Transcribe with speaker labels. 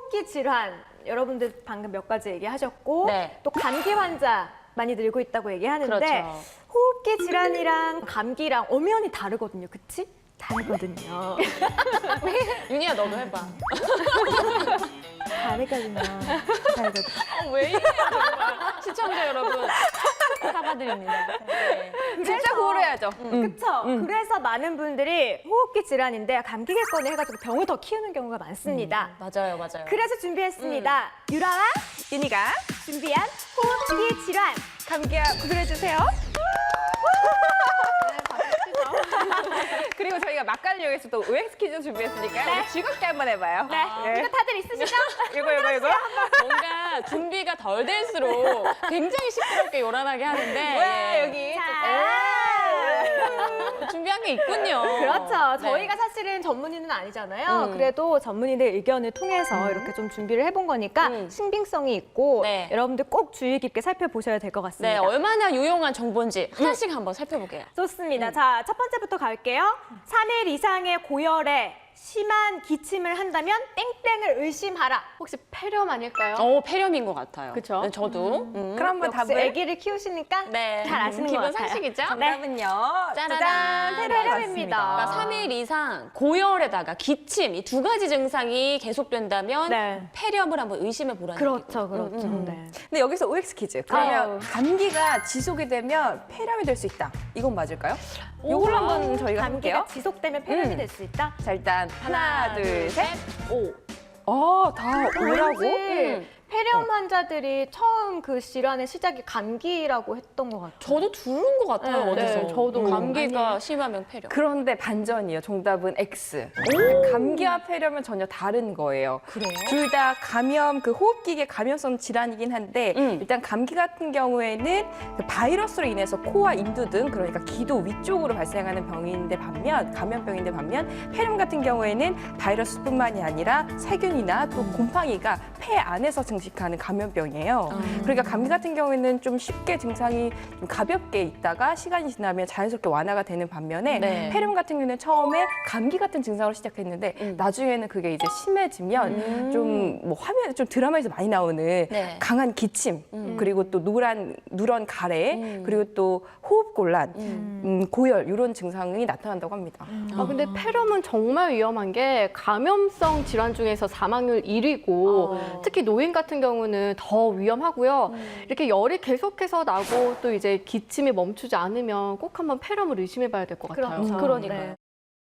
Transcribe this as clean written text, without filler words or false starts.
Speaker 1: 호흡기 질환 여러분들 방금 몇 가지 얘기하셨고
Speaker 2: 네.
Speaker 1: 또 감기 환자 많이 늘고 있다고 얘기하는데
Speaker 2: 그렇죠.
Speaker 1: 호흡기 질환이랑 감기랑 엄연히 다르거든요. 그치? 다르거든요.
Speaker 2: 윤희야 너도 해봐.
Speaker 1: 다르거든요. 다르거든요.
Speaker 2: 왜 이래요 정말. 시청자 여러분 사과드립니다. 네.
Speaker 3: 진짜 고르야죠.
Speaker 1: 그쵸? 그래서 많은 분들이 호흡기 질환인데 감기겠거니 해가지고 병을 더 키우는 경우가 많습니다.
Speaker 2: 맞아요, 맞아요.
Speaker 1: 그래서 준비했습니다. 유라와
Speaker 3: 윤희가
Speaker 1: 준비한 호흡기 질환.
Speaker 3: 감기야 구슬해주세요. 그리고 저희가 맛깔용에서 또 OX 퀴즈 준비했으니까 우리 즐겁게 한번 해봐요.
Speaker 1: 네. 이거 다들 있으시죠?
Speaker 3: 이거.
Speaker 2: 뭔가 준비가 덜 될수록 굉장히 시끄럽게 요란하게 하는데
Speaker 3: 왜
Speaker 2: 예.
Speaker 3: 여기?
Speaker 2: 준비한 게 있군요.
Speaker 1: 그렇죠.
Speaker 2: 네.
Speaker 1: 저희가 사실은 전문의는 아니잖아요. 그래도 전문의들 의견을 통해서 이렇게 좀 준비를 해본 거니까 신빙성이 있고
Speaker 2: 네.
Speaker 1: 여러분들 꼭 주의 깊게 살펴보셔야 될 것
Speaker 2: 네,
Speaker 1: 같습니다.
Speaker 2: 얼마나 유용한 정보인지 하나씩 한번 살펴볼게요.
Speaker 1: 좋습니다. 자, 첫 번째부터 갈게요. 3일 이상의 고열에 심한 기침을 한다면 땡땡을 의심하라.
Speaker 3: 혹시 폐렴 아닐까요?
Speaker 2: 폐렴인 것 같아요.
Speaker 3: 그쵸?
Speaker 2: 네, 저도.
Speaker 3: 그럼 한번
Speaker 1: 역시
Speaker 3: 답을
Speaker 1: 아기를 키우시니까
Speaker 2: 네.
Speaker 1: 잘 아시는 것
Speaker 2: 기본
Speaker 1: 같아요.
Speaker 2: 상식이죠?
Speaker 3: 정답은요.
Speaker 2: 짜라란.
Speaker 3: 짜잔,
Speaker 1: 폐렴입니다.
Speaker 2: 그러니까 3일 이상 고열에다가 기침 이 두 가지 증상이 계속된다면
Speaker 1: 네.
Speaker 2: 폐렴을 한번 의심해 보라는
Speaker 1: 그렇죠, 그렇죠. 네.
Speaker 3: 근데 여기서 OX 퀴즈. 그러면
Speaker 1: 아유.
Speaker 3: 감기가 지속이 되면 폐렴이 될 수 있다. 이건 맞을까요? 이걸로 한번 저희가
Speaker 1: 감기가
Speaker 3: 해볼게요.
Speaker 1: 지속되면 폐렴이 될 수 있다?
Speaker 3: 자, 일단 하나, 둘, 셋.
Speaker 2: 오.
Speaker 3: 다 오라고?
Speaker 1: 왠지 폐렴 환자들이 처음 그 질환의 시작이 감기라고 했던 것 같아요.
Speaker 2: 저도 들은 것 같아요,
Speaker 1: 네,
Speaker 2: 어디서.
Speaker 3: 네, 저도.
Speaker 2: 감기가 심하면 폐렴.
Speaker 3: 그런데 반전이에요. 정답은 X. 감기와 폐렴은 전혀 다른 거예요.
Speaker 2: 그래요?
Speaker 3: 둘 다 감염, 그 호흡기계 감염성 질환이긴 한데 일단 감기 같은 경우에는 그 바이러스로 인해서 코와 인두 등 그러니까 기도 위쪽으로 발생하는 병인데 반면 감염병인데 반면 폐렴 같은 경우에는 바이러스뿐만이 아니라 세균이나 또 곰팡이가 폐 안에서 증식하는 감염병이에요. 그러니까 감기 같은 경우에는 좀 쉽게 증상이 좀 가볍게 있다가 시간이 지나면 자연스럽게 완화가 되는 반면에
Speaker 2: 네.
Speaker 3: 폐렴 같은 경우는 처음에 감기 같은 증상으로 시작했는데 나중에는 그게 이제 심해지면 좀 뭐 화면 좀 드라마에서 많이 나오는
Speaker 2: 네.
Speaker 3: 강한 기침 그리고 또 누런 가래 그리고 또 호흡곤란 고열 이런 증상이 나타난다고 합니다.
Speaker 4: 근데 폐렴은 정말 위험한 게 감염성 질환 중에서 사망률 1위고 특히 노인 같은 경우는 더 위험하고요. 이렇게 열이 계속해서 나고 또 이제 기침이 멈추지 않으면 꼭 한번 폐렴을 의심해 봐야 될 것 같아요.
Speaker 1: 그렇죠.
Speaker 2: 그러니까요.
Speaker 1: 네.